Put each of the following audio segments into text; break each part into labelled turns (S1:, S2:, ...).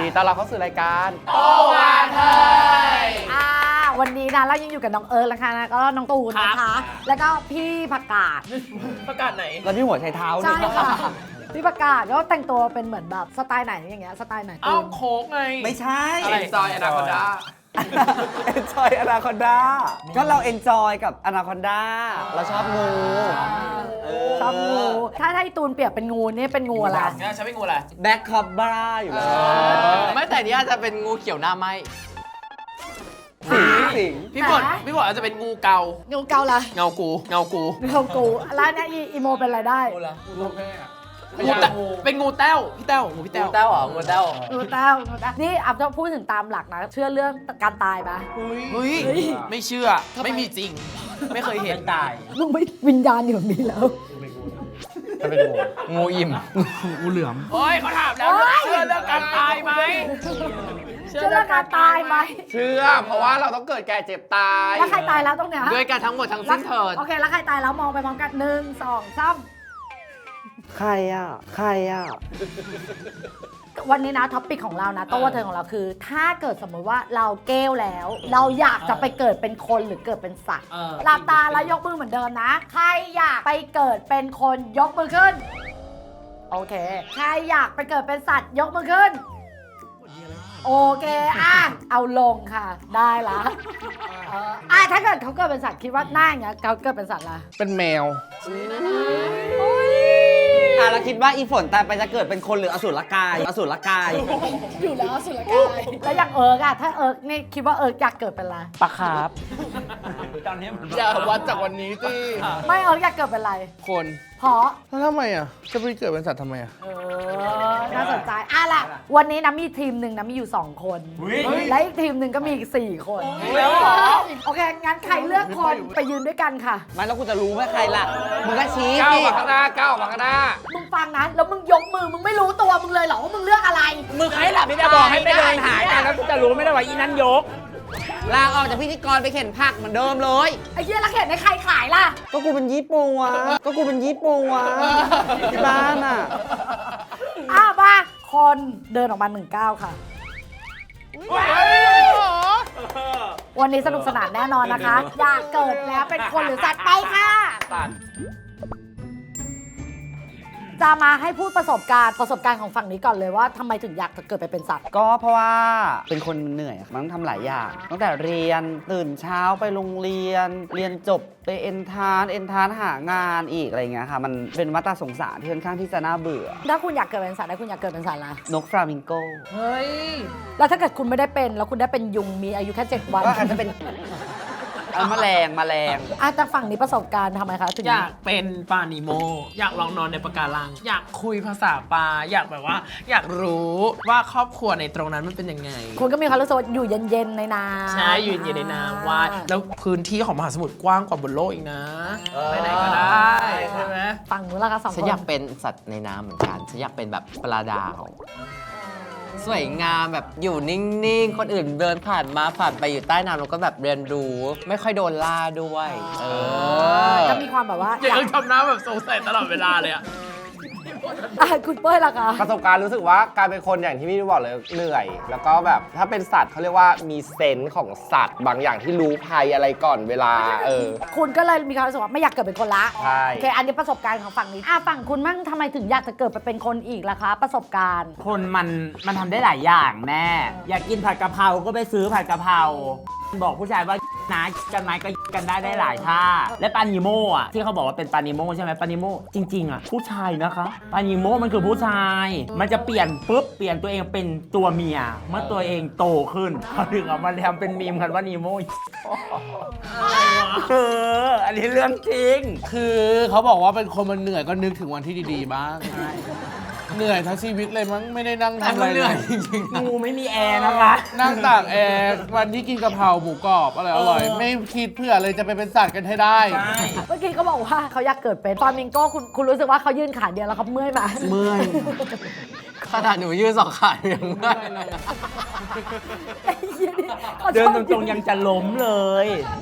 S1: ดีต้อนรับเข้าสู่รายการ
S2: โตวาเธอ
S3: วันนี้นะเรายังอยู่กับน้องเอิร์ธนะคะนะก็น้องตูนนะคะแล้วก็พี่ผักกาด
S2: ประกาศไหน
S1: แล้วพี่หัวใช้เท้า
S3: ใช่ค่ะพี่ผักกาดก็แต่งตัวเป็นเหมือนแบบสไตล์ไหนอย่างเงี้ยสไตล์ไหน
S2: อ้าวโค้กไง
S1: ไม่ใช่
S2: อะไรจอยอนาคอนดา
S1: เอนจอยอนาคอนดาก็เราเอนจอยกับอนาคอนดาเราชอบงู
S3: ชอบงูถ้าให้ตูนเปรียบเป็นงูนี่เป็นงูอะไร
S2: งั้นฉันเป็นงูอะไร
S1: แบ็คคอบบ้าอยู่แล้ว
S4: ไม่แต่นี่อาจจะเป็นงูเขียวหน้าไหม
S1: สิง
S2: พี่บดอาจจะเป็นงูเกา
S3: งูเกาละ
S2: เงากู
S3: งูกูแล้วเนี่ยอีโมเป็นอะไรได้
S2: เป็นงูแต้วพี่แต้วงูพี่แต้ว
S4: เต้าเหรองูเต้า
S3: งูเต้านี่อัพจะพูดถึงตามหลักนะเชื่อเรื่องการตายปะ
S2: เฮ้ยไม่เชื่อไม่มีจริง ไม่เคยเห็นตาย
S3: มึงไม่วิญญาณอยู่ตรงนี้แล้ว
S1: จะเป็นงู
S4: งูอิ่ม
S2: งูเหลือมเฮ้ยเขาถามแล้วเชื่อเรื่องการตายไหม
S3: เชื่อเรื่องการตายไหม
S1: เชื่อเพราะว่าเราต้องเกิดแก่เจ็บตาย
S3: แล้วใครตายแล้วตรงเนี้ย
S4: ด้วยกันทั้งหมดทั้งสิ้นเถิด
S3: โอเคแล้วใครตายแล้วมองไปพร้อมกัน1 2 3
S1: ใครอ่ะ
S3: วันนี้นะท็อปปิกของเรานะโต้วาเธอของเราคือ ถ้าเกิดสมมติว่าเราเกลแล้ว เราอยากจะไปเกิดเป็นคนหรือเกิดเป็นสัตว์หลับตาแล้วยกมือเหมือนเดิมนะ ใครอยากไปเกิดเป็นคนยกมือขึ้นโอเคใครอยากไปเกิดเป็นสัตว์ยกมือขึ้นโอเคเอาลงค่ะได้ละถ้าเกิดเขาเกิดเป็นสัตว์คิดว่าหน้าอย่างเงี้ยเขาเกิดเป็นสัตว์อะไร
S1: เป็นแมวแล้วคิดว่าอีฝนตายไปจะเกิดเป็นคนหรืออสุรกาย
S3: อยู่แล้วสุรกายแล้วอย่างเอิร์กอะถ้าเอิร์กนี่คิดว่าเอิร์กอยากเกิดเป็นอะไร
S1: ปลาคาร์ฟ
S2: อย่าวัดจากวันนี้สิ
S3: ไม่เอิร์กอยากเกิดเป็นอะไร
S2: คน
S3: เพราะ
S2: แล้วทำไมอ่ะจะไปเกิดเป็นสัตว์ทำไมอ่ะ
S3: น่าสนใจล่ะวันนี้นะมีทีมหนึ่งนะมีอยู่2 คนและอีกทีมหนึ่งก็มีอีก4 คนโอเคงั้นใครเลือกคนไปยืนด้วยกันค่ะ
S1: ไม่แล้วกูจะรู้ไหมใครล่ะมึงก็ชี้
S2: ก้าว
S1: สิ
S2: มาข้างหน้าก้าวมาข้างหน้า
S3: มึงฟังนะแล้วมึงยกมือมึงไม่รู้ตัวมึงเลยเหรอว่ามึงเลือกอะไร
S1: มึงใครล่ะไม่ได้บอกให้ไปเดินหากันแล้วกูจะรู้ไม่ได้ว่าอีนั้นยกลาออกจากพิธีกรไปเข็นผักเหมือนเดิมเลย
S3: ไอ้เหี้ยแล้วเห็นในใครขายล่ะ
S1: ก็กูเป็นญี่ปุ่นวะที่บ้านอ่ะ
S3: มาคนเดินออกมา19ค่ะ วันนี้สนุกสนานแน่นอนนะคะ อยากเกิดแล้วเป็นคนหรือสัตว์ไปค่ะ จะมาให้พูดประสบการณ์ของฝั่งนี้ก่อนเลยว่าทำไมถึงอยากจะเกิดไปเป็นสัตว์
S1: ก็เพราะว่าเป็นคนเหนื่อยมันต้องทำหลายอย่างตั้งแต่เรียนตื่นเช้าไปโรงเรียนจบไปเอนทานหางานอีกอะไรเงี้ยค่ะมันเป็นวัฏสงสารที่ค่อนข้างที่จะน่าเบื่อ
S3: ถ้าคุณอยากเกิดเป็นสัตว์แล้วคุณอยากเกิดเป็นสัตว์อะไร
S1: นกฟลามิงโก
S2: เฮ้ย
S3: แล้วถ้าเกิดคุณไม่ได้เป็นแล้วคุณได้เป็นยุงมีอายุแค่7 วัน
S1: ก็อาจจะเป็นแมลง
S3: แต่ฝั่งนี้ประสบการณ์ทำไมคะถึง
S2: อยากเป็นปลานิโมอยากลองนอนในปะการัง อยากคุยภาษาปลาอยากแบบว่า อยากรู้ว่าครอบครัวในตรงนั้นมันเป็นยังไง
S3: คุณก็มีความรู้สึกว่าอยู่เย็นๆในน้ำ
S2: ใช่อยู่เย็นในน้ำว่ายแล้วพื้นที่ของมหาสมุทรกว้างกว่าบนโลกอีกนะ ไปไหนก็ได้ใช่ไหม
S3: ฝั่งนู้นล่ะคะ2 คน
S4: ฉันอยากเป็นสัตว์ในน้ำเหมือนกัน ฉันอยากเป็นแบบปลาดาว สวยงามแบบอยู่นิ่งๆ คนอื่นเดินผ่านมาผ่านไปอยู่ใต้น้ำแล้วก็แบบเรียนรู้ ไม่ค่อยโดนล่าด้วย
S3: ก็มีความแบบว่า
S2: อย่าทำหน้าแบบสงสัยตลอดเวลาเลยอะ
S3: คุณเป้ยล่ะคะ
S5: ประสบการณ์รู้สึกว่าการเป็นคนอย่างที่พี่บอกเลยเหนื่อย แล้วก็แบบถ้าเป็นสัตว์เขาเรียกว่ามีเซนส์ของสัตว์ บางอย่างที่รู้ภัยอะไรก่อนเวลา
S3: คุณก็เลยมีความรู้สึกว่าไม่อยากเกิดเป็นคนละ
S5: ใช่
S3: โอเคอันนี้ประสบการณ์ของฝั่งนี้ฝั่งคุณมั่งทำไมถึงอยากจะเกิดไปเป็นคนอีกล่ะคะ ประสบการณ์
S6: คนมันทำได้หลายอย่างแม่ อยากกินผัดกะเพราก็ไปซื้อผัดกะเพราบอกผู้ชายว่านะกันไหมก็กันได้หลายท่าและปานิโมอ่ะที่เขาบอกว่าเป็นปานิโมใช่ไหมปานิโมจริงๆอ่ะผู้ชายนะคะปานิโมมันคือผู้ชาย มันจะเปลี่ยนตัวเองเป็นตัวเมียเมื่อตัวเองโตขึ้นเขาถึงเอามาทำเป็นมีมกันว่านิโมอันนี้เรื่องจริง
S2: คือเขาบอกว่าเป็นคนมันเหนื่อยก็นึกถึงวันที่ดีๆบ้าง เหนื่อยทั้งชีวิตเลยมั้งไม่ได้นั่งทำอะไรเลย
S6: งูไม่มีแอร์นะคะ
S2: นั่งตากแอร์วันที่กินกะเพราหมูกรอบอร่อยไม่คิดเพื่อเลยจะไปเป็นสัตว์กันให้ได้
S3: เมื่อกี้เขาบอกว่าเขาอยากเกิดเป็นฟลามิงโก้คุณรู้สึกว่าเขายืนขาเดียวแล้วเขาเมื่อยไหม
S4: เมื่อยขนาดหนูยืน2 ขายังเมื่อยเลย
S6: เดินตรงๆยังจะล้มเลย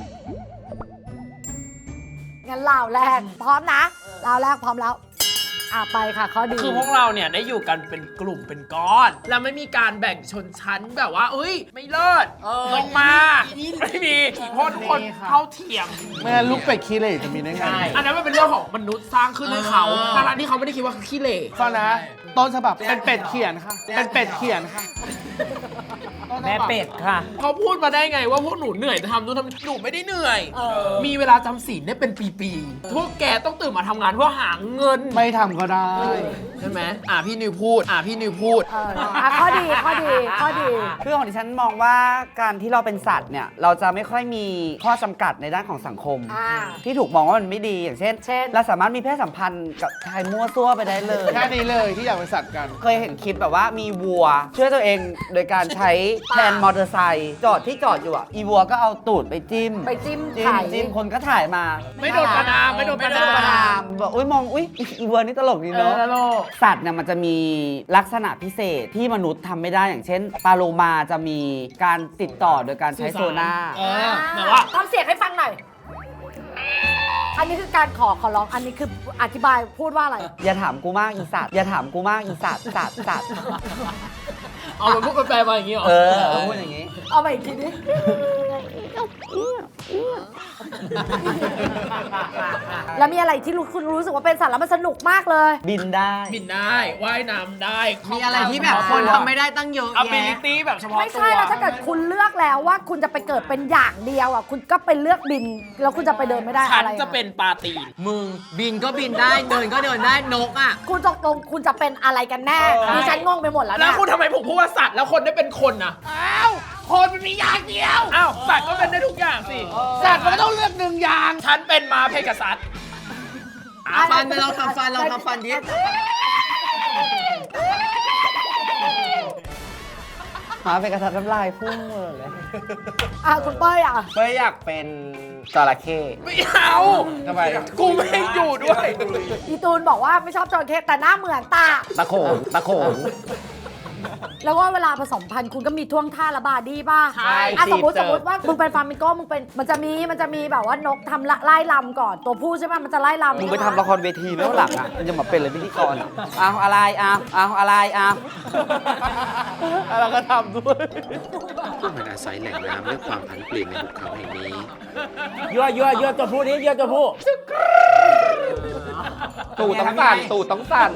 S3: งั้นลาวแรกพร้อมนะลาวแรกพร้อมแล้วไปค่ะข้อดี
S2: คือพวกเราเนี่ยได้อยู่กันเป็นกลุ่มเป็นก้อน แล้วไม่มีการแบ่งชนชั้นแบบว่าเอ้ย ไม่เลิศลงมาไม่มีเพราะทุกคนเท่าเทียม
S7: ไม่งั้นลูกเป็ดขี้เหร่จะมีได้ไง
S2: อันนั้นมันเป็นเรื่องของมนุษย์สร้างขึ้นให้เขาทั้งที่เขาไม่ได้คิดว่าเขาขี้เหร่
S7: ฟังนะ ต้นฉบับเป็นเป็ดเขียนค่ะ เป็นเป็ดเขียนค่ะ
S6: แม่เป็ดค่ะ
S2: เขาพูดมาได้ไงว่าพวกหนูเหนื่อยจะทำนู่นทำหนูไม่ได้เหนื่อย มีเวลาจำศีลได้เป็นปีๆพวกแกต้องตื่นมาทำงานเพื่อหาเงิน
S7: ไม่ทำก็ได้
S2: ใช่ไหมพี่นิวพูดพี่นิวพูด
S3: ข้อดีข้อดีข้อดี
S1: คือของดิฉันมองว่าการที่เราเป็นสัตว์เนี่ยเราจะไม่ค่อยมีข้อจำกัดในด้านของสังคม ที่ถูกมองว่ามันไม่ดีอย่างเช่น เราสามารถมีเพศสัมพันธ์กับชายมั่วซั่วไปได้เลย
S7: แค่นี้เลยที่อยากเป็นสัตว์กัน
S1: เคยเห็นคลิปแบบว่ามีวัวช่วยตัวเองโดยการใช้แทนมอเตอร์ไซค์จอดที่จอดอยู่อ่ะอีวัวก็เอาตูดไปจิ้ม
S3: ไปจิ้ม
S1: จิ้ม
S3: ไข่
S1: จิ้มคนก็ถ่ายมา
S2: ไม่โดนประนามไม่โดนประนาม
S1: ประนามบอกอุ้ยมองอุ้ยอีวัวนี่ตลกดีเนาะ สัตว์เนี่ยมันจะมีลักษณะพิเศษที่มนุษย์ทำไม่ได้อย่างเช่นปลาโลมาจะมีการติดต่อโดยการใช้โซน่า
S2: แบบว่า
S3: ทำเสียงให้ฟังหน่อย อันนี้คือการขอร้อง อันนี้คืออธิบายพูดว่าอะไร
S1: อย่าถามกูมากอีสัตว์อย่าถามกูมากอีสัตว์สัตว์สัตว์
S2: เอามันพูดแปลมาอย่างนี้เหรอ
S1: พูดอย่างนี้
S3: เอาไปอีกทีนี้ แล้วมีอะไรที่คุณรู้สึกว่าเป็นสัตว์แล้วมันสนุกมากเลย
S1: บินได้
S2: บินได้ว่ายน้ำได้
S4: มีอะไรที่แบบคนทำไม่ได้ตั้งเยอะแยะ
S2: ability แบบเฉพาะตัว
S3: ไม่ใช่แล้วถ้าเกิดคุณเลือกแล้วว่าคุณจะไปเกิดเป็นอย่างเดียวอ่ะคุณก็ไปเลือกบิน แล้วคุณจะไปเดินไม่ได้
S2: ฉัน
S3: อะไร
S2: จะเป็นปลาตีน
S4: มึงบินก็บินได้เดินก็เดินได้นกอ่ะ
S3: คุณตกลงคุณจะเป็นอะไรกันแน่ดิฉันงงไปหมดแล้ว
S2: แล้ว
S3: เนี่ย
S2: คุณทำไมผมพูดว่าสัตว์แล้วคนได้เป็นคนนะอ้าวคนมันมีอย่างเดียวอ้าวสัตว์ก็เป็นได้ทุกอย่างสิ
S7: สัตว์มันก็ต้องเลือกหนึ่งอย่าง
S2: ฉันเป็นม้าเพกาซัส
S4: ฟันเราทำฟันดิ
S1: หมาเป็นกระทัดน้ำลายพุ่งเลย
S3: คุณเป้ยอ่ะ
S5: เป้ยอยากเป็นจระเข้
S2: ไม่เอา
S5: ทำไม
S2: กูไม่ให้อยู่ด้วย
S3: อีตูนบอกว่าไม่ชอบจระเข้แต่หน้าเหมือนตา
S5: ตะโขนตะโขน
S3: แล้วว่าเวลาผสมพันธุ์คุณก็มีท่วงท่าระบาดดีป่ะ
S5: ใช่
S3: สมมติ
S5: จีบเจอ
S3: ว่ามึงเป็นฟาร์มิงโก้มึงเป็นมันจะมีแบบว่านกทำไล่ลำก่อนตัวผู้ใช่ไหมมันจะไล่ลำ
S1: มึงไปทำละครเวทีไหมว่าหลังอ่ะมันจะมาเป็นเลยพิธีกรอะเอาอะไรเอาอะไรเอา
S7: แล้วก็ทำด้วย
S8: พวกมันอาศัยแหล่งน้ำและความผันเปลี่ยนในหุบเขาแห่งนี้
S6: ยั่วตัวผู้นี้ยั่วตัวผู้
S5: ตูดต้องสั่นตูดต้องสั่น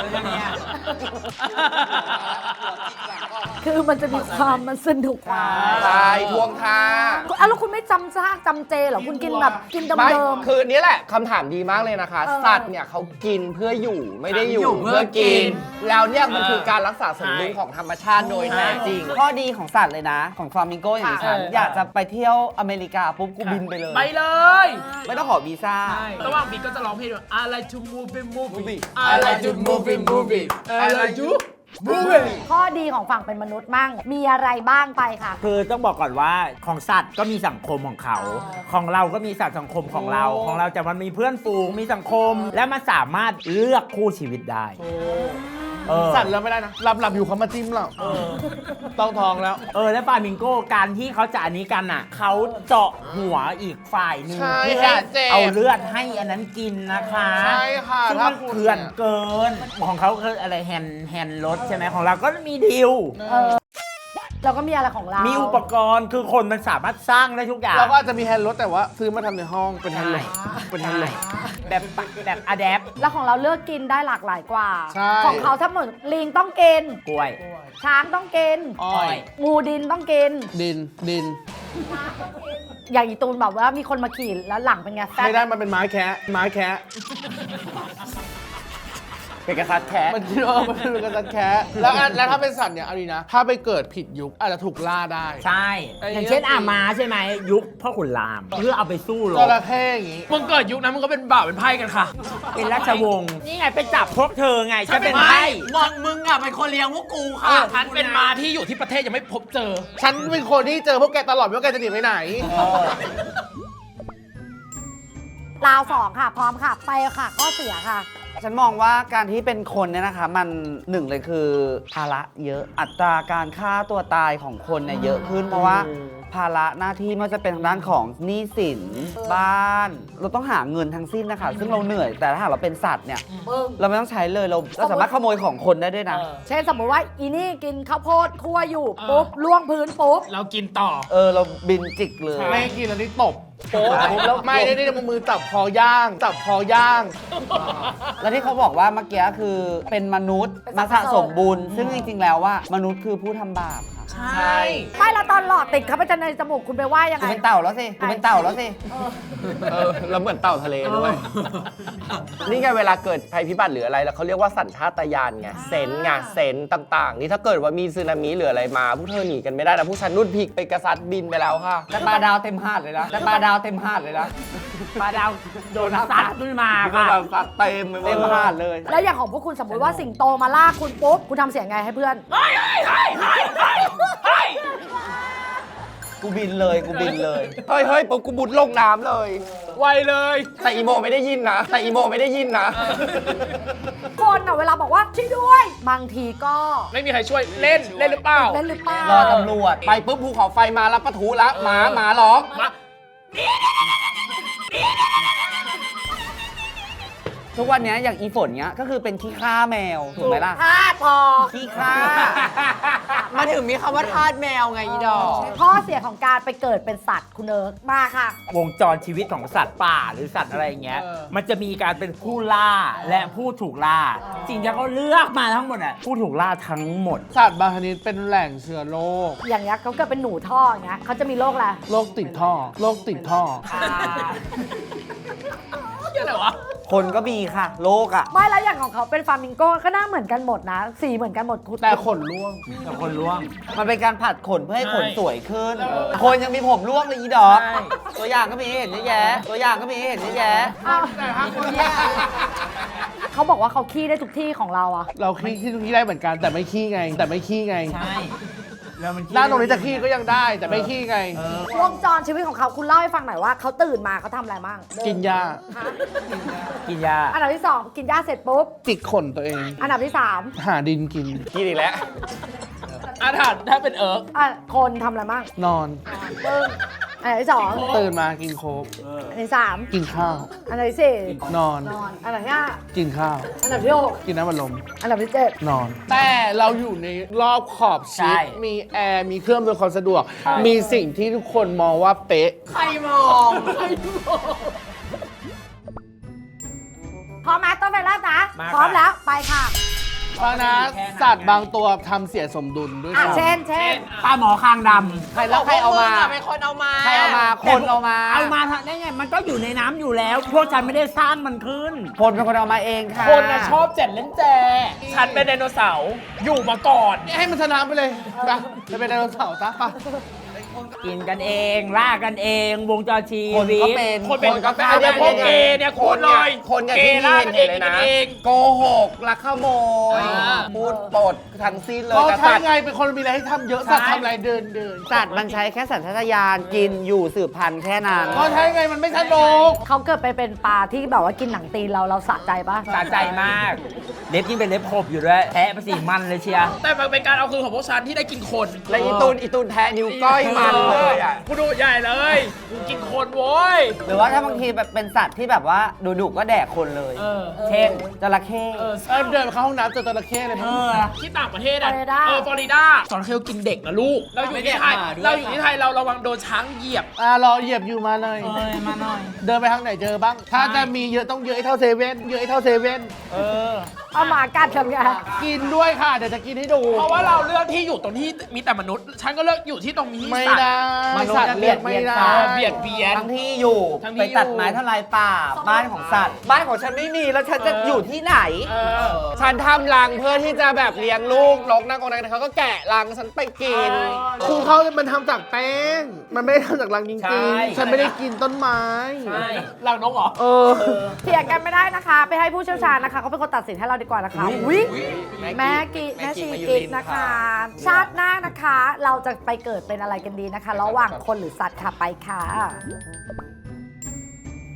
S3: คือมันจะมีความมันสนุกกว่า
S5: ใช่ทวงท่า
S3: แล้วคุณไม่จำเจเหรอคุณกินแบบกิน
S5: ไม่
S3: เดิม
S5: คือนี่แหละคำถามดีมากเลยนะคะ สัตว์เนี่ยเขากินเพื่ออยู่ไม่ได้อยู่เพื่อกิน แล้วเนี่ยมันคือการรักษาสมดุลของธรรมชาติโดยแท้จริง
S1: ข้อดีของสัตว์เลยนะ ของฟลามิงโกอย่างดิฉันอยากจะไปเที่ยวอเมริกาปุ๊บกูบินไปเลย
S2: ไปเลย
S1: ไม่ต้องขอวีซ่า
S2: ระหว่างบีก็จะร้องเพลงด้วย I like to move it move it I
S5: I
S2: like
S5: like
S2: to
S5: to
S2: move it move it I like to move it
S3: ข้อดีของฝั่งเป็นมนุษย์มั่งมีอะไรบ้างไปค่ะ
S6: คือต้องบอกก่อนว่าของสัตว์ก็มีสังคมของเขา ของเราก็มีสัตว์สังคมของเรา ของเราจะมันมีเพื่อนฝูงมีสังคม และมันสามารถเลือกคู่ชีวิตได้
S7: สัตว์แล้วไม่ได้นะหลับอยู่เขามาจิ้มเราต้องท้องแล้ว
S6: และฟลามิงโก้การที่เขาจะอันนี้กันอ่ะเขาเจาะหัวอีกฝ่ายหนึ่ง
S7: ใช่
S6: เพื่อ
S7: ค่ะเจ็บ
S6: เอาเลือดให้อันนั้นกินนะคะ
S7: ใช่ค่ะ
S6: ซึ่ง
S7: ถ้า
S6: มัน
S7: คุณ
S6: เถื่อนเกิน ของเขาคืออะไรแฮนด์รถใช่ไหมของเราก็มีดิว
S3: เราก็มีอะไรของเรา
S6: มีอุปกรณ์คือคนมันสามารถสร้างได้ทุกอย่าง
S7: เราก็อาจจะมีแฮนด์รถแต่ว่าซื้อมาทำในห้องเป็นแฮนด์รถเป็นแฮนด์รถ
S6: แบบอะแดป
S3: แล้วของเราเลือกกินได้หลากหลายกว่า
S7: ใช่
S3: ของเขาถ้าเหมือนลิงต้องกิน
S6: กล้วย
S3: ช้างต้องกิน
S7: อ้อย
S3: งูดินต้องกิน
S7: ดิน
S3: อย่างอีตูนแบบว่ามีคนมาขี่แล้วหลังเป็นไงแซ่
S7: ไม่ได้
S3: บ
S7: มันเป็นไม้แคะ
S1: เป็นกระทัดแคะ
S7: มันมันเป็นกระสันแคะแล้วถ้าเป็นสัตว์เนี่ยเอาดีนะ ถ้าไปเกิดผิดยุคอาจจะถูกล่าได้
S6: ใช่ อย่างเช่นอาม้าใช่ไหมยุคพ่อขุนราม เพื่อเอาไปสู้ร
S7: จ
S6: บ
S7: ระเข้อย่างงี้
S2: มึงเกิดยุคนั้นมึงก็เป็นบ่าวเป็นไพ่กันค่ะ
S6: เป็นราชวงศ์นี่ไงไปจับพวกเธอไงจะเป็นไพ่
S4: มึงอ่ะเป็นคนเลี้ยงพวกกูค่ะ
S2: ฉันเป็นม้าที่อยู่ที่ประเทศยังไม่พบเจอ
S7: ฉันเป็นคนที่เจอพวกแกตลอดไม่ว่าแกจะหนีไปไหน
S3: ราวสองค่ะ พร้อมค่ะ ไปค่ะ ข้อเสียค่ะ
S1: ฉันมองว่าการที่เป็นคนเนี่ยนะคะ มันหนึ่งเลยคือภาระเยอะอัตราการฆ่าตัวตายของคนเนี่ยเยอะขึ้น เพราะว่าภาระหน้าที่ไม่ว่าจะเป็นทางด้านของหนี้สินบ้าน เราต้องหาเงินทั้งสิ้นนะคะซึ่งเราเหนื่อยแต่ถ้าหากเราเป็นสัตว์เนี่ย
S3: มึง
S1: เราไม่ต้องใช้เลยเราสามารถขโมยของคนได้ด้วยนะ
S3: เช่นสมมติว่าอีนี่กินข้าวโพดคั่วอยู่ปุ๊บล่วงพื้นปุ๊บ
S2: เรากินต่อ
S1: เราบินจิกเลย
S7: ไม่กินแล้วนี่ตบโป๊ะแล้วไม่ได้มือจับคอย่างจับคอย่าง
S1: แล้วที่เขาบอกว่าเมื่อกี้คือเป็นมนุษย์มาสะสมบุญซึ่งจริงๆแล้วว่ามนุษย์คือผู้ทำบาปค่ะ
S2: ใช่
S3: ไม่แล้วตอนหลอดติดเข้าไปจะในจมูกคุณไปว่ายัง
S1: กู
S3: ไง
S1: เป็นเต่าแล้วสิกูเป็นเต่าแล้วสิ
S5: แล้วเหมือนเต่าทะเลด้วย นี่ไงเวลาเกิดภัยพิบัติหรืออะไรแล้วเขาเรียกว่าสัญชาตญาณไงเซนส์ไงเซนส์ต่างๆ นี่ถ้าเกิดว่ามีสึนามิหรืออะไรมาพวกเธอหนีกันไม่ได้นะพวกฉันนุ่นพลิกไปกระซัดบินไปแล้วค่ะ
S1: แต่ปลาดาวเต็มหาดเลยนะแต่ปลาดาวเต็มหาดเลยนะ
S6: ปลาดาวโดนซัดขึ้นมา
S5: ก็
S6: ค่ะ
S5: แบบซัดเต็มไปหม
S1: เต็
S5: ด
S1: มหาดเลย
S3: แล้วอย่างของพวกคุณสมมติว่าสิงโตมาลากคุณปุ๊บคุณทำเสียงไงให้เพื่อน
S1: กูบินเลยกูบินเลย
S5: เฮ้ยปุ๊บกูบุดลงน้ำเลย
S2: ไวเลย
S5: แต่อีโมไม่ได้ยินนะแต่อีโมไม่ได้ยินนะ
S3: คนอ่ะเวลาบอกว่าช่วยด้วยบางทีก็
S2: ไม่มีใครช่วยเล่นหรือเปล่า
S3: เล่นหรือเปล่าร
S1: อตำรวจ
S5: ไปปุ๊บภูเขาไฟมารับปะทุละหมาร้อง
S2: มา
S1: ทุกวันนี้อย่างอีฝนเนี้ยก็คือเป็นขี้ข้าแมวถูกไหมล่ะ
S3: พาดพอ
S1: ขี้ข้า
S4: มาถึงมีคำว่าทาสแมวไงอีดอก
S3: ข้อเสียของการไปเกิดเป็นสัตว์คุณเอิร์กมาค่ะ
S6: วงจรชีวิตของสัตว์ป่าหรือสัตว์อะไรอย่างเงี้ย มันจะมีการเป็นผู้ล่าและผู้ถูกล่า สิ่งที่เขาเลือกมาทั้งหมดอ่ะผู้ถูกล่าทั้งหมด
S7: สัตว์บางชนิดเป็นแหล่งเชื้อโรค
S3: อย่างเงี้ยเขาเกิดเป็นหนูท่ออย่างเงี้ยเขาจะมีโรคอะไร
S7: โรคติดท่อโรคติดท่อ
S2: เหี้ยอะไรวะ
S1: คนก็มีค่ะ โลกอ่ะ
S3: ไม่แล้วอย่างของเขาเป็นฟลามิงโก้ก็หน้าเหมือนกันหมดนะ สีเหมือนกันหมดคุณ
S7: แต่ขนร่วง
S6: แต่คนล่วง
S1: มันเป็นการผัดขนเพื่อให้ขน
S2: ใช่
S1: สวยขึ้น คนยังมีผมร่วงเลยอีดอก
S6: ใช่
S1: ตัวอย่างก็มีให้เห็นเยอะแยะ ตัวอย่างก็มีให้เห็นเยอะแยะ
S3: อ้าวเขาบอกว่าเขาขี้ได้ทุกที่ของเราอะ
S7: เราขี้ที่ตรงนี้ได้เหมือนกันแต่ไม่ขี้ไง แต่ไม่ขี้ไง
S6: ใช่แล้วมัน
S7: หน้าตรงนี้จะขี้ก็ยังได้แต่ไม่ขี้ไง
S3: วงจรชีวิตของเขาคุณเล่าให้ฟังหน่อยว่าเขาตื่นมาเขาทำอะไรบ้าง
S7: กินยา
S3: ฮะ
S6: กินยา
S3: อันดับที่สองกินหญ้าเสร็จปุ๊บ
S7: จิกขนตัวเอง
S3: อันดับที่สาม
S7: หาดินกิน
S5: กินอีกแล้ว
S2: อาถรรพ์ถ้าเป็นเอิร์ก
S3: คนทำอะไรบ้าง
S7: นอน
S3: ปึ้งอันดับที่สอง
S7: ตื่นมากินโค้ก
S3: อันดับที่สาม
S7: กินข้าว
S3: อันดับที่สี่
S7: นอน
S3: นอนอันดับที่ห้า
S7: กินข้าว
S3: อันดับที่หก
S7: กินน้ำมันลม
S3: อันดับที่เจ็ด
S7: นอน แต่เราอยู่ในรอบขอบชิด มีแอร์ มีเครื่องอำนวยความสะดวก มีสิ่งที่ทุกคนมองว่าเป๊ะ
S4: ใครมอง
S3: พร้อมไหมต้นไฟแรกนะ
S6: มา
S3: พร้อม
S6: ค่ะ
S3: แล้วไปค่ะ
S7: เพราะนะสัตว์บางตัวทำเสียสมดุลด้วย
S3: อ่ะ
S7: ซ้ำ
S3: เช่น
S6: ปลาหมอคางด
S1: ใครแล้วใครเอามา
S4: เป็นคนเอามา
S1: ใครเอามา
S6: ำ
S1: คนเอามา
S6: เอามาได้ไง มันก็อยู่ในน้ำอยู่แล้ว พวกฉันไม่ได้สร้างมันขึ้น
S1: คนเป็นคนเอามาเองค่ะ
S2: คนนะชอบเจ็ดเล่นแจฉันเป็นไดโนเสาร์อยู่มาก่อน
S7: ให้มันชนะไปเลยไปจะเป็นไดโนเสาร์ซะไป
S6: กินกันเองล่ากันเอง วงจรชี
S1: คน
S6: วิ
S1: ก็
S6: ต
S1: เป็น
S2: คนเป็น
S5: ก็เป็น
S2: เอาเนี่ยพวกเกย์เนี่ยคุณเลย
S5: คนเนี่ย
S2: เก
S5: ที่
S2: ย์ล่ากันเอง
S5: เห็นเลย
S2: กิน
S5: นะ
S2: กันเอง
S5: โกหกลักขโมย พูดปดทั้งสิ้นเลย
S7: เพราะ
S5: แต่
S7: ใช่
S5: สัตว์
S7: ไงเป็นคนมีอะไรให้ทำเยอะสัตว์
S6: ใช่
S7: ทำอะไรเดิน
S1: สัตว์มันใช้แค่สัญชาตญาณกินอยู่สืบพันธุ์แค่นั้น
S7: เพราะใช่ไงมันไม่สนุก
S3: เขาเกิดไปเป็นปลาที่แบบว่ากินหนังตีนเราสะใจปะ
S6: สะใจมาก เล็บยิ่งเป็นเล็บขบอยู่ด้วยแทะไปสิมันเลยเชียร์
S2: แต่มันเป็นการเอาคืนของพวกฉันที่ได้กินคน
S5: และอีตูนแทะนิ้วก้อยมันเลยอ่ะ
S2: กูดูใหญ่เลยกูกินคนโว้ย
S1: หรือว่าถ้าบางทีแบบเป็นสัตว์ที่แบบว่าดุๆก็แดกคนเลย เช่นจระเข้
S7: เดินไปเข้าห้องน้ำเจอจระเข้เลยมั้ง
S2: ที่ต่างประเทศอ่ะ
S3: ฟลอริดา
S2: ฟลอริดาสอนเคลกินเด็กนะลูก เราอยู่ที่ไทย เราอยู่ที่ไทยเราระวังโดนช้างเหยียบ
S7: รอเหยียบอยู่มาเลย
S6: มาหน่อย
S7: เดินไปทางไหนเจอบ้าง ถ้าจะมีเยอะต้องเยอะให้เท่าเซเว่นเยอะให้เท่าเซเว่น
S3: เอาหมากัดทำไง
S7: กินด้วยค่ะ เดี๋ยวจะกินให้ดู
S2: เพราะว่าเราเลือกที่อยู่ตรงที่มีแต่มนุษย์ ฉันก็เลือกอยู่ที่ตรงนี้
S7: ไม่
S2: สัตว์
S7: ได้
S1: มนุษย์
S7: สัต
S1: จะ
S7: ว์
S1: เบี
S7: เลื
S1: ย
S7: อ
S1: ด
S7: ก
S1: เบี
S7: ไม่
S1: ยน
S7: ได้
S1: กัน
S2: เบียดเบียน
S1: ทั้งที่อยู่
S2: ทั้งที่
S1: ไปตัด
S2: อยู่
S1: ไม้ทลายป่า บ้านของสัตว์ บ้านของฉันไม่มีแล้วฉันจะอยู่ที่ไหน
S5: ฉันทำรังเพื่อที่จะแบบเลี้ยงลูกนกนั่งกองนั้นเขาก็แกะรังฉันไปกิน
S7: คือเขามันทำจากแป้ง มันไม่ได้ทำจากรังจ
S6: ใช่
S7: ริงๆ ฉันไม่ได้กินต้นไม้
S2: หลังนกเหรอ
S3: เถียงกันไม่ได้นะคะ ไปให้ผู้เชี่ยวชาญนะคะเขาเป็นคนตัดสินให้เราดีกว่านะคะวิแม่ชีกิ๊กนะคะ ชาติหน้านะคะ เราจะไปเกิดเป็นอะไรกันดีนะคะ ระหว่างคนหรือสัตว์ค่ะไปค่ะ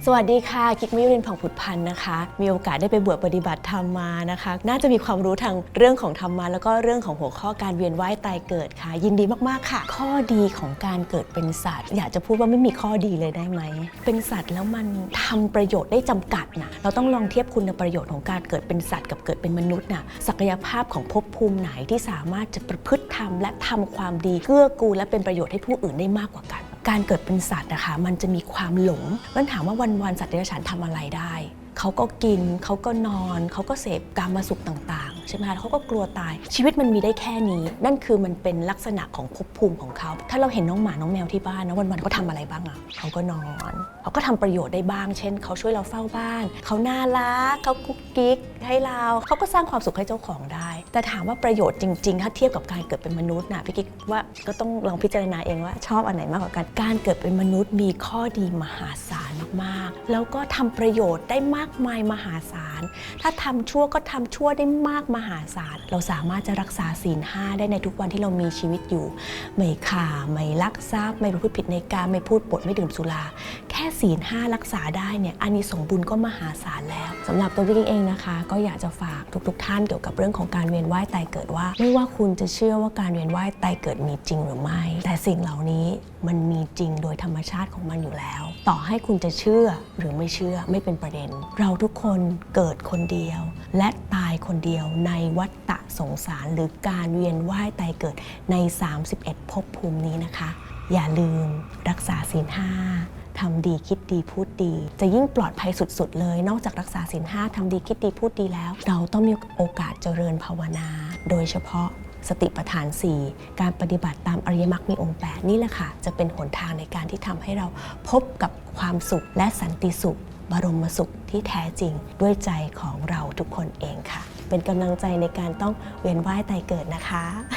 S9: สวัสดีค่ะกิ๊กมิรินผ่องผุดพันธ์นะคะมีโอกาสได้ไปบวชปฏิบัติธรรมมานะคะน่าจะมีความรู้ทางเรื่องของธรรมะแล้วก็เรื่องของหัวข้อการเวียนว่ายตายเกิดค่ะยินดีมากๆค่ะข้อดีของการเกิดเป็นสัตว์อยากจะพูดว่าไม่มีข้อดีเลยได้ไหมเป็นสัตว์แล้วมันทำประโยชน์ได้จำกัดนะเราต้องลองเทียบคุณประโยชน์ของการเกิดเป็นสัตว์กับเกิดเป็นมนุษย์นะศักยภาพของภพภูมิไหนที่สามารถจะประพฤติธรรมและทำความดีเกื้อกูลและเป็นประโยชน์ให้ผู้อื่นได้มากกว่ากันการเกิดเป็นสัตว์นะคะมันจะมีความหลงงั้นถามว่าวันๆสัตว์เดรัจฉานทำอะไรได้เขาก็กินเขาก็นอนเขาก็เสพกามสุขต่างๆใช่ไหมคะเขาก็กลัวตายชีวิตมันมีได้แค่นี้นั่นคือมันเป็นลักษณะของภพภูมิของเขาถ้าเราเห็นน้องหมาน้องแมวที่บ้านนะวันๆเขาทำอะไรบ้างอ่ะเขาก็นอนเขาก็ทำประโยชน์ได้บ้างเช่นเขาช่วยเราเฝ้าบ้านเขาน่ารักเขากุ๊กกิ๊กให้เราเขาก็สร้างความสุขให้เจ้าของได้แต่ถามว่าประโยชน์จริงๆถ้าเทียบกับการเกิดเป็นมนุษย์นะพี่กิ๊กว่าก็ต้องลองพิจารณาเองว่าชอบอันไหนมากกว่ากันการเกิดเป็นมนุษย์มีข้อดีมหาศาลมากๆแล้วก็ทำประโยชน์ได้มากมายมหาศาลถ้าทำชั่วก็ทำชั่วได้มากมหาศาลเราสามารถจะรักษาศีล 5ได้ในทุกวันที่เรามีชีวิตอยู่ไม่ฆ่าไม่ลักทรัพย์ไม่ประพฤติผิดในกามไม่พูดปดไม่ดื่มสุราแค่ศีล 5รักษาได้เนี่ยอานิสงส์บุญก็มหาศาลแล้วสำหรับตัวพี่เองนะคะก็อยากจะฝากทุกท่านเกี่ยวกับเรื่องของการเวียนว่ายตายเกิดว่าไม่ว่าคุณจะเชื่อว่าการเวียนว่ายตายเกิดมีจริงหรือไม่แต่สิ่งเหล่านี้มันมีจริงโดยธรรมชาติของมันอยู่แล้วต่อให้คุณจะเชื่อหรือไม่เชื่อไม่เป็นประเด็นเราทุกคนเกิดคนเดียวและตายคนเดียวในวัฏฏะสงสารหรือการเวียนว่ายตายเกิดใน31ภพภูมินี้นะคะอย่าลืมรักษาศีล 5ทำดีคิดดีพูดดีจะยิ่งปลอดภัยสุดๆเลยนอกจากรักษาศีล 5ทำดีคิดดีพูดดีแล้วเราต้องมีโอกาสเจริญภาวนาโดยเฉพาะสติปัฏฐาน 4การปฏิบัติตามอริยมรรคมีองค์ 8นี่แหละค่ะจะเป็นหนทางในการที่ทำให้เราพบกับความสุขและสันติสุขบรมสุขที่แท้จริงด้วยใจของเราทุกคนเองค่ะเป็นกำลังใจในการต้องเวียนว่ายตายเกิดนะคะ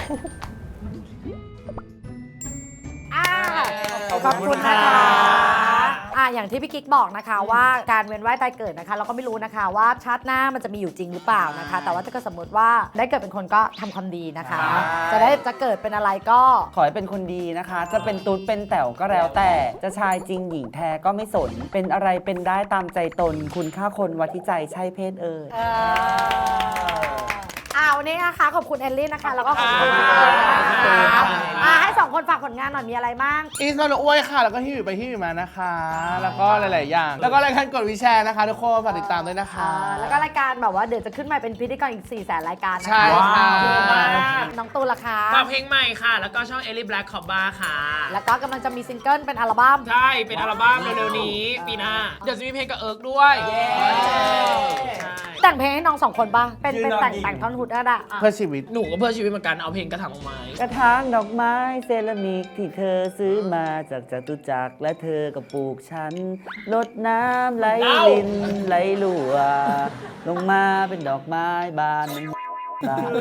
S3: ขอบคุณนะคะอย่างที่พี่กิ๊กบอกนะคะว่าการเวียนว่ายตายเกิดนะคะเราก็ไม่รู้นะคะว่าชาติหน้ามันจะมีอยู่จริงหรือเปล่านะคะแต่ว่าถ้าเกิดสมมติว่าได้เกิดเป็นคนก็ทำความดีนะคะจะเกิดเป็นอะไรก็
S1: ขอให้เป็นคนดีนะคะ จะเป็นตุ๊ดเป็นแต๋วก็แล้วแต่จะชายจริงหญิงแท้ก็ไม่สนเป็นอะไรเป็นได้ตามใจตนคุณค่าคนวัดที่ใจใช่เพศเอ่ย
S3: วันนี้นะคะขอบคุณเอลลี่นะคะแล้วก็ขอบคุณพี่เอิร์ธนะคะให้2คนฝากผลงานหน่อยมีอะไรบ้าง
S7: อีสมาอ้วยค่ะแล้วก็ที่อยู่ไปที่อยู่มานะคะ แล้วก็หลายๆอย่างแล้วก็รายการกดวิแชร์นะคะทุกคนฝากติดตามด้วยนะคะ
S3: แล้วก็รายการแบบว่าเดี๋ยวจะขึ้นมาเป็นพิธีกรอีก 400,000 รายการนะคะ
S7: ใช่ค่ะ
S3: น้องตูนล่ะคะ
S2: ฝากเพลงใหม่ค่ะ แล้วก็ช่อง Ellie Black Cobra ค่ะ
S3: แล้วก็กำลังจะมีซิงเกิลเป็นอัลบั้ม
S2: ใช่เป็นอัลบั้มเร็วๆนี้ปีหน้าเดี๋ยวจะมีเพลงกับเอิร์กด้วยใช่
S3: แต่งเพลงให้น้อง2คนป่ะเป็นแต่งท่อนฮุดก็ได้
S7: เพื่อชีวิต
S2: หนูก็เพื่อชีวิตเหมือนกันเอาเพลงกระถางดอกไม้
S1: กระถางดอกไม้เซรามิกที่เธอซื้อมาจากจตุจักรและเธอก็ปลูกฉันรดน้ำไหลลินไหลลัวลงมาเป็นดอกไม้บานมันบาน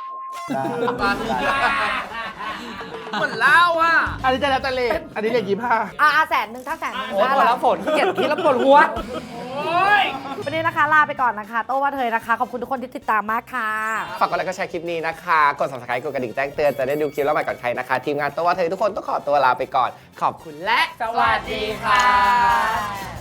S2: เหมือนเล่าอ่ะ
S7: อันนี้จะแล้วแต่เลทอันนี้เลท25
S3: 100,000ถ้า100,000
S1: โอ้พอแล้วฝนเกลียดคิดแล้วปวดหัว
S3: วันนี้นะคะลาไปก่อนนะคะโต้ว่าเธอนะคะขอบคุณทุกคนที่ติดตามมากค่ะ
S5: ฝากกดไลค์ก็แชร์คลิปนี้นะคะกด subscribe กดกระดิ่งแจ้งเตือนจะได้ดูคลิปแล้วใหม่ก่อนใครนะคะทีมงานตัวว่าเธอทุกคนต้องขอตัวลาไปก่อนขอบคุณและ
S2: สวัสดีค่ะ